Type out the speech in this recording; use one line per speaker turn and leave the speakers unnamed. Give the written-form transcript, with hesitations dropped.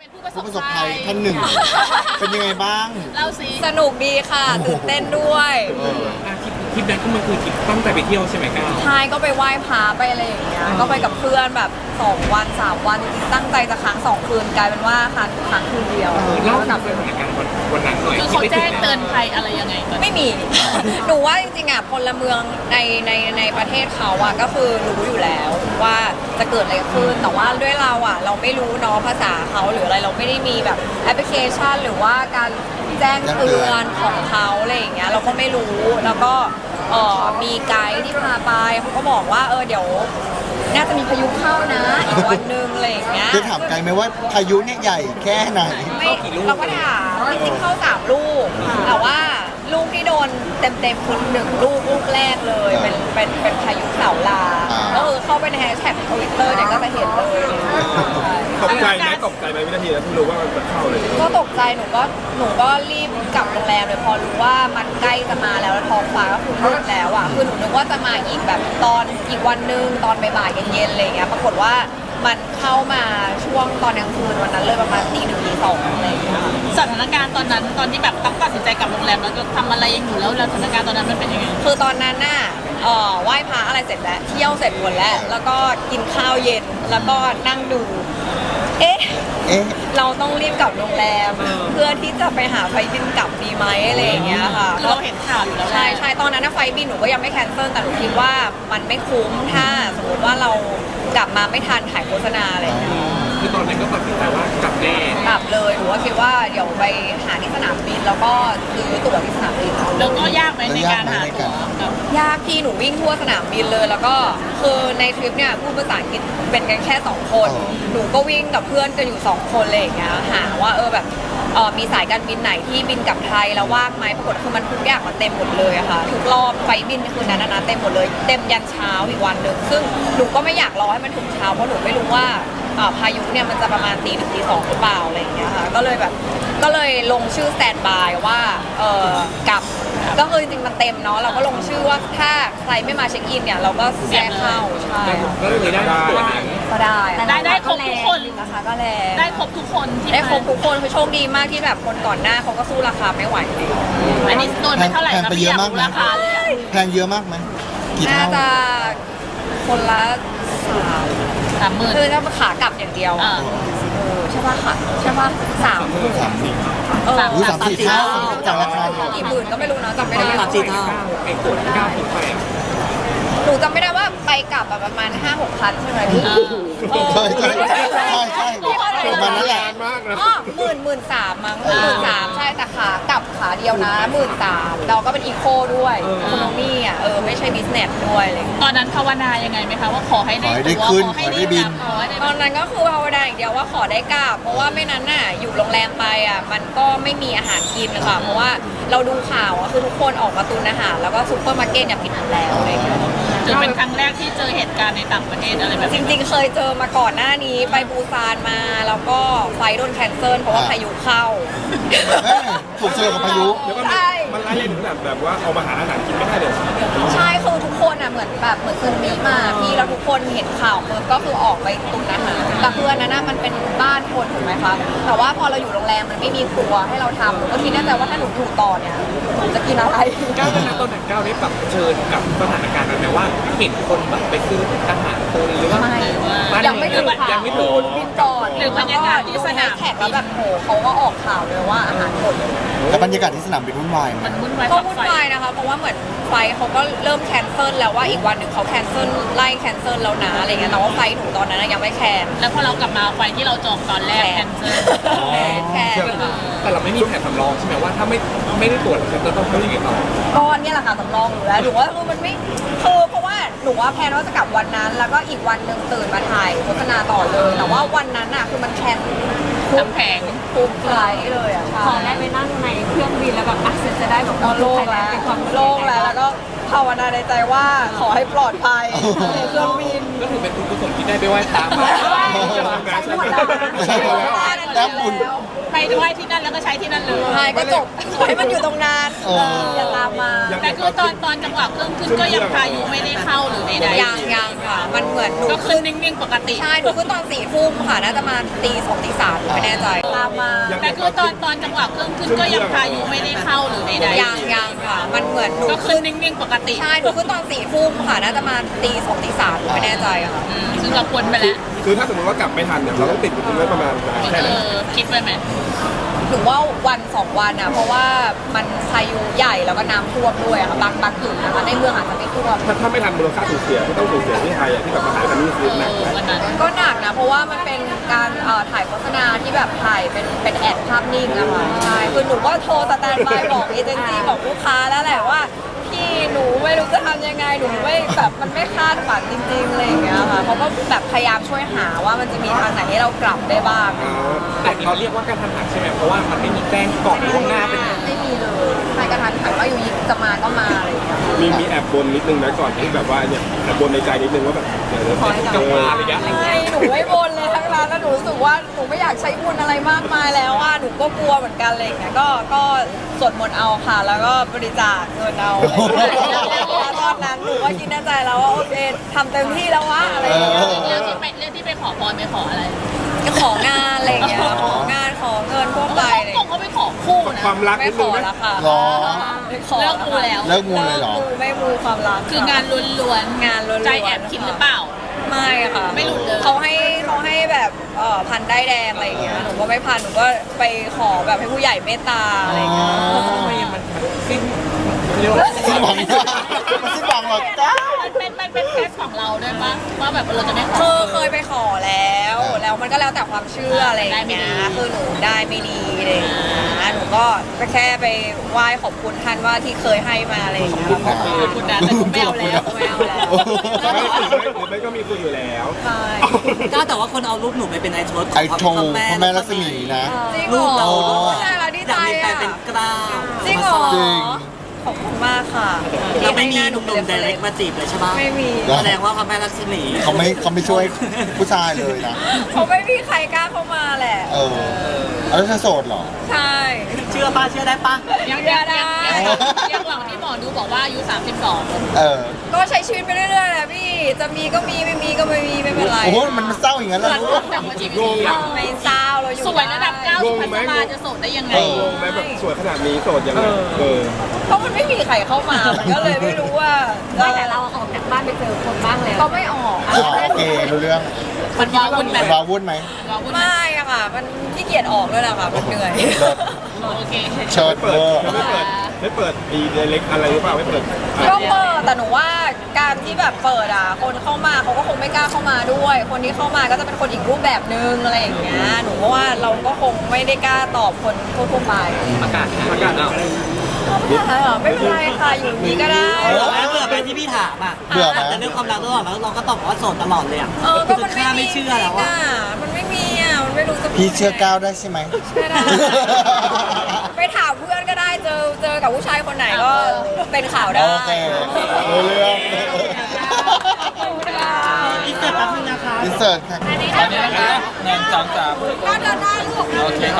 เป็นผู้ประส
ผู้
บ
ประสบ
ภั
ภั
ย
ยท่านหนึ่ง เป็นยังไงบ้าง
เล่าสิ
สนุกดีค่ะตื่นเต้นด้วย
ทริปนั้นก็มันคือทริปตั้งใจไปเที่ยวใช่ไหมก้าว
ใช่ก็ไปไหว้พระไปอะไรอย่างเงี้ยก็ไปกับเพื่อนแบบ2 วัน 3 วันจริงๆตั้งใจจะค้าง2 คืนกลายเป็นว่าค้างคืนเดียว
เล่า
แล้ว
ถึ
กลั
ง
บ
สถานการณ์วันนั้นหน่อย
คือเขาแจ้งเตือนภัยอะไรยังไงก่อน
ไม่มี หนูว่าจริงๆอ่ะพลเมืองในประเทศเขาอ่ะก็คือรู้อยู่แล้วว่าจะเกิดอะไรขึ้นแต่ว่าด้วยเราอ่ะเราไม่รู้เนาะภาษาเขาหรืออะไรเราไม่ได้มีแบบแอปพลิเคชันหรือว่าการแจ้งเตือนของเขาอะไรอย่างเงี้ยเราก็ไม่รู้แล้วก็มีไกด์ที่พาไปเขาก็บอกว่าเดี๋ยวน่าจะมีพายุเข้านะอีกวันนึงอะไรอย่างเงี้ย
จะถามไกลไหมว่าพายุเนี่ยใหญ่แค่ไหน
ไม่เราก็ถามจริงๆเข้า3 ลูกแต่ว่าลูกที่โดนเต็มๆคือลูกแรกเลยเป็นพายุเสาลาก็คือเข้าไปในแฮชแท็กทวิตเตอร์เนี่ยก็จะเห็นเลย
ตกใจไหมวินาทีแล้วที่รู้ว่ามันจะเข้าเลย
ก็ตกใจหนูก็รีบกลับโรงแรมเลยพอรู้ว่ามันใกล้จะมาแล้วท้องฟ้าก็คือมืดแล้วอ่ะคือหนูนึกว่าจะมาอีกแบบตอนอีกวันนึงตอนบ่ายๆเย็นๆอะไรอย่างเงี้ยปรากฏว่ามันเข้ามาช่วงตอนกลางคืนวันนั้นเลยประมาณตี 1 ตี 2อะไรอย่างเงี้ย
สถานการณ์ตอนนั้นตอนที่แบบต้องตัดสินใจกลับโรงแรมแล้วจะทำอะไรยังอยู่แล้วสถานการณ์ตอนนั้นมันเป็นยังไง
คือตอนนั้นน่ะไหว้พระอะไรเสร็จแล้วเที่ยวเสร็จหมดแล้วแล้วก็กินข้าวเย็นแล้วก็นั่งดู เอ๊ะ เราต้องรีบกลับโรงแรม เพื่อที่จะไปหาไฟล์บินกลับดีไหมอะไรอย่างเงี้ยค่ะ
คือเราเห็นข่าวอยู่แล้วแหละ
ใช่ตอนนั้นนะไฟล์บินหนูก็ยังไม่แคนเซิลแต่หนูคิดว่ามันไม่คุ้มถ้าสมมติว่าเรากลับมาไม่ทันถ่ายโฆษณาอะไรอย่างเงี้ย
คือตอนนั้นก็ตัดสินใจว่ากลับแน่
กลับเลยหนูก็คิดว่าเดี๋ยวไปหาที่สนามบินแล้วก็ซื้อตั๋วที่สนามบิน
แล้วก็ยากไหมในการหาตั๋วกับ
ยากพี่หนูวิ่งทั่วสนามบินเลยแล้วก็คือในทริปเนี่ยพูดภาษาอังกฤษเป็นกันแค่2 คนหนูก็วิ่งกับเพื่อนกันอยู่2 คนเลยอย่างเงี้ยหาว่าแบบมีสายการบินไหนที่บินกลับไทยแล้วว่างไหมปรากฏคือมันทุกอย่างมันเต็มหมดเลยอะค่ะทุกรอบไฟล์บินคืนนั้นนะเต็มหมดเลยเต็มยันเช้าอีกวันหนึ่งซึ่งหนูก็ไม่อยากรอให้มันถึงเช้าเพราะหนูไม่รู้ว่าพายุเนี่ยมันจะประมาณตี 1 ตี 2หรือเปล่าอะไรอย่างเงี้ยค่ะก็เลยลงชื่อสแตนบายว่ากลับก็คือจริงๆมันเต็มเนาะเราก็ลงชื่อว่าถ้าใครไม่มาเช็คอินเนี่ยเราก็แทรกเข้าใช่
ก็เลยได้ตั๋วนั้น
ก็ได้
ได้ครบทุกคน
นะคะก็แรง
ได้ครบทุกคนที่
ได้ครบทุกคนคือโชคดีมากที่แบบคนก่อนหน้าเขาก็สู้ราคาไม่ไหวเลย
อันนี้โดนไปเท่าไหร่
แพง
คะ
ไป
พี่
เย
อ
อะ
ยาก
มาก
รู้
ไหม
ราคาเลยอะ
แพงเยอะมากไหมกี่
น่า
เท่า
จะคนละ
30,000
คือถ้าขากลับอย่างเดียว
อ่า
ใช่ป่ะค่ะใช่ป่ะ3
สามสี่
3
หรือ3-4 เท่าจากราคา
กี่หมื่นก็ไม่รู้นะจำไม่ได้
3-4 เท่า
ไอ้ตั๋วที่ก้าวถึงไปอ่ะ
หนูจำไม่ได้ว่าไปกลับประมาณ 5-6 พันใช่ไหมพี่
ใช่ประมาณนั้นแหละ
มากนะ
อ๋อ13,000มั้ง13,000ใช่แต่ขากลับขาเดียวนะ13,000เราก็เป็นอีโคด้วยอีโคโนมี่อ่ะไม่ใช่บิสเนสด้วยอะไรอย่างเลย
ตอนนั้นภาวนายังไงไหมคะว่าขอให้ได้
ขอให้ได้
ตั๋ว
ขึ้น
ขอให้
ขอให้ได้บิ
ได้
น
ขอให้ได้
ตอนนั้นก็คือภาวนาอย่างเดียวว่าขอได้กลับเพราะว่าไม่นั้นน่ะอยู่โรงแรมไปอ่ะมันก็ไม่มีอาหารกินค่ะเพราะว่าเราดูข่าวอ่ะคือทุกคนออกมาตุนอาหารแล้วก็ซุปเปอร์มาร์เก็ตเนี่ยปิดหมดแล้วอะไรอย่างเงี้ย
ถือเป็นครั้งแรกที่เจอเหตุการณ์ในต่างประเทศอะไรแบบ
จ
นี้
ริงๆเคยเจอมาก่อนหน้านี้ไปปูซานมาแล้วก็ไฟล์โดนแคนเซิลเพราะว่าพายุเข้า
ถูกเจอกับพายุ
เดี๋ยวก็
ใช่
มันไล่เลยถึงแบบว่าเอามาหาอาหารกินไม่ได้เลย
ใช่คือทุกคนอ่ะเหมือนซึนามิมาพี่แล้วทุกคนเห็นข่าวปุ๊บก็คือออกไปตุนอาหารแต่คืออันนั้นน่ะมันเป็นบ้านคนถูกไหมคะแต่ว่าพอเราอยู่โรงแรมมันไม่มีครัวให้เราทำหนูก็คิดแน่ใจว่าถ้าหนูอยู่ต่อเนี่ยหนูจะกินอะไร
ก้าวตอนนั้นก้าวได้ปรับเชิญกับสถานการณ์นั้นไหมว่าเห็นคนแบบไปซื้ออาหารตุนหรือว่า
ไม่ยังไม่ถึง
ยังไม่ถึง
บินก่อน
หรือบรรยากาศที่สนาม
แขกแล้วแบบโหเขาก็ออกข่าวเลยว่าอาหารหมด
แต่บรรยากาศที่สนามบินวุ่นวายไหม
มันวุ่นวาย
ก็
กับ
วุ่น
ไฟ
วายนะคะเพราะว่าเหมือนไฟล์เขาก็เริ่มแคนเซิลแล้วว่าอีกวันหนึ่งเขาแคนเซิลไล่แคนเซิลแล้วนะอะไรเงี้ยแต่ว่าไฟล์หนูตอนนั้นนะยังไม่แคน
แล้วพอเรากลับมาไฟที่เราจองตอนแรกแคนเซิล
แคน
แต่เราไม่มีแผนสำรองใช่ไหมว่าถ้าไม่ได้ตรวจเราจะต้องทำยังไงต่อ
ก็เนี่ยแหละค่ะสำรองอยู่แล้วหนูว่าคือมันไม่คือเพราะว่าหนูว่าแพลนว่าจะกลับวันนั้น แล้วก็อีกวันหนึ่งตื่นมาถ่ายโฆษณาต่อเลย แต่ว่าวันนั้นอ่ะคือมันแคน
น้ำแข็ง
ทุกไฟล์เลยอ่ะ
ขอได้ไปนั่งในเครื่องบินแล้วแบบจะได้แบบ
ก็โล่งแล้ว
เป็นความ
โล่งแล้วก็ภาวนาในใจว่าขอให้ปลอดภัยในเครื่องบิน
ก็ถือเป็นบุญกุศลที่ได้ไปไหว้พระมา
ใช้หมดแล้ว
แต้มบุญ
ไปไหว้ที่นั่นแล้วก็ใช้ที่นั่นเลย
ใช่ก็จบให้มันอยู่ตรงนั้น
เออ
อย่าตามมา
แต่คือตอนจังหวะเครื่องขึ้นก็ยังพายุไม่ได้เข้าหรือใดๆ
ยังค่ะ มันเหมือนหนู
ก็ขึ้นนิ่งๆปกติ
ใช่หนูขึ้นตอน4 ทุ่มค่ะน่าจะมาตี2ตี3ไม่แน่ใจตามมา
แต่คือตอนจังหวะเครื่องขึ้นก็ยังพายุไม่ได้เข้าหรือใดๆ
ยังค่ะ มันเหมือนหนู
ก็ขึ้นนิ่งๆปกติ
ใช่หนูขึ้นตอน4 ทุ่มค่ะน่าจะมาตี2ตี3ไม่แน่ใจค่ะ
ซึ่งเราพ้นไปแล้ว
คือถ้าสมมติว่ากลับไม่ทันเนี่ยเราต้องติดอยู่ตรงนั้นประมาณแค่ไหน
คิดไว้ไหม
หนูว่าวัน2 วันอ่ะเพราะว่ามันพายุใหญ่แล้วก็น้ำท่วมด้วยอะค่ะบางจุดนะคะในเมืองอาจจะไม่ท่วม
ถ้าไม่ทันมูลค่าสูญเสียที่ต้องสูญเสียที่ไทยอะที่แบบมาขายกันนี่คือหนักไหม
วันนั้น
ก็หนักนะเพราะว่ามันเป็นการถ่ายโฆษณาที่แบบถ่ายเป็นแอดภาพนิ่งอะค่ะใช่คือหนูก็โทรสแตนด์บายบอกเอเจนซี่บอกลูกค้าแล้วแหละว่าพี่หนูไม่รู้จะทำยังไงหนูไม่แบบมันไม่คาดฝันจริงๆอะไรอย่างเงี้ยค่ะเขาก็แบบพยายามช่วยหาว่ามันจะมีทางไหนให้เรากลับได้บ้าง
แต่เราเรียกว่าการทำหันใช่ไหมเพราะว่ามันไม่มีแจ้งก่อนล่วงหน้าเป็น
ไม่มีเลยใครกระทันหันว่าอยู่ยิงจะมาก็มาอะไรอย่างเงี้ย
มีแอบบนนิดนึงนะก่อนที่แบบว่าเนี่ยแอบบนในใจนิดนึงว่าแบบเดี๋ยว
ขอให้กลับมาอะไรเงี้ยไม่หนูไม่บนเลยทั้งนั้นแล้วหนูรู้สึกว่าหนูไม่อยากใช้บุญอะไรมากมายแล้วว่าหนูก็กลัวเหมือนกันอะไรอย่างเงี้ยก็สวดมนต์เอาค่ะ แล้วก็บริจาคเงินเอาแล้วตอนนั้นหนูก็คิดในใจแล้วว่าโอเคทำเต็มที่แล้ววะอะไรอย่างเงี้ย
เรื่องที่ไปขอพรไปขออะไร
ก็ของานอะไรอย่างเงี้ยของานขอเงินพวกไปเลย
คงเขาไปขอคู่นะ
ความรัก
ไม่
นิด
ข
นึ
อง
ไหม
แล้วค่ะ
หรอ
ไม่ขอ
เลิกมูแล้ว
เลิกมูเลยเหรอ
มูไม่มูความรัก
คืองานล้วนๆ
งานล้วนๆ
ใจแอบคิดหรือเปล่า
ไม่ค่ะ
ไม่หลุดเลย
เขาให้แบบพันได้ายแดงอะไรอย่างเงี้ยหนูก็ไม่พันหนูก็ไปขอแบบให้ผู้ใหญ่เมตตาอะไรอย่างเงี้ย
อ๋อ
ทำไมมันสิ้นเรียกว่า
สิ้นหวังมันสิ้นหวังหรอกจ้า
มันเป็นเคสของเราด้วยปะว่าแบบเราจะได้ข
คือ
อ
เคยไปขอแล้วมันก็แล้วแต่ความเชื่ออะไรอย่างเงี้ย
ได้ไม่ดี
คือหนูได้ไม่ดีอะไรอย่างเงี้ยหนูก็แค่ไปไหว้ขอบคุณท่านว่าที่เคยให้มาอะไรอย่างเงี้ยแล้วก็
คุณนะแต่คุณไม่เอาแล้ว
ไม่เอาแล้ว
หรือไม่ก็มีคุยอยู่แล้ว
ใช่
ก็แต่ว่าคนเอารูปหนูไปเป็นไอโชด
ไอโทพระแม่รัศมีนะ
จริงเหร
รูป
อ
เรา
ใช่เราดี
อ
ใจ
ยากมีแฟน
อ่ะ
เป็นกล้าว
จริงเหรอ
จริง
ขอบคุณมากค่ะ
เราไม่มี
ที่
หนุ่มๆ direct มาจีบเลยใช่ปะ
ไม่มี
แล้ว
แสดงว่าพระแม่ลักษมี
เขาไม่ช่วยผู้ชายเลยนะ
เขาไม่มีใครกล้าเข้ามาแหละ
เออแล้วเธอโสดเหรอ
ใช่
เชื่อป้าเชื่อได้ปะ
ยังหวังที่หมอดูบอกว่าอายุ32
เออ
ก็ใช้ชีวิตไปเรื่อยๆแหละพี่ จะมีก็มีไม่มีก็ไม่มีไม่เป็นไร
โอ้โหมันเศร้าอย่างนั้น
เห
เล
มื
ย
อนแต่ว่าชีวิต
งง
ดี
อะ
ไม่เศร้าเราอยู่
สวยระดับ
ได้
9 สุพัสมาจะโสดได้ยังไง
เออ
งงไหมแบบสวยขนาดนี้โสดยังไงอ
เพราะมันไม่มีใครเข้ามา มันก็เลยไม่รู้ว่า
ไม่แต่เราออกจากบ้านไปเจอคนบ้างแล้ว
ก็ไม่ออก
อ๋อโอเครู้เรื่อง
มันวาวุ่นแบบ
วาวุ่นไหม
วาวุ่น
ไม่อะค่ะ มันขี้เกียจออกด้วยแหละค่ะ มันเหนื่อย
โอเค
เชิด
เปิ
เว
ด
อร์
ไม่เปิดดีเล็กอะไรหรือเปล่าไม่เปิด
ก็เปิดแต่หนูว่าการที่แบบเปิดอ่ะ คนเข้ามาเขาก็คงไม่กล้าเข้ามาด้วย คนที่เข้ามาก็จะเป็นคนอีกรูปแบบนึงอะไรอย่างเงี้ย หนูว่าเราก็คงไม่ได้กล้าตอบคนทั่วๆไป
ประกาศเอา
ไม่เป็นไรค่ะ อยู่นี้ก็ได้
เบื่อไปที่พี่ถามอ่ะ
เบื่อไหม
แต่เรื่องความรักตลอดแล้วเราก็ตอบว่าโสดตลอดเลยอ่ะ
ก็มัน
ข้า
ไม่
ไม่
มี
เชื่อแล้วอ่ะ
มันไม่มีอ่ะ มันไม่รู้จะ
พี่เชื่อก้าวได้ใช่ไหม
เชื่อได้ไปถามเพื่อนก็ได้ เจอกับผู้ชายคนไหนก็เป็นข่าวได้
โอเครู้เรื่อง
อีกเสร็จแป๊บนึงนะคะ
อินเสิร์ตค่ะ
ตอนนี้นะคะ1 2 3
ก็เดินได้ลูก
โอเค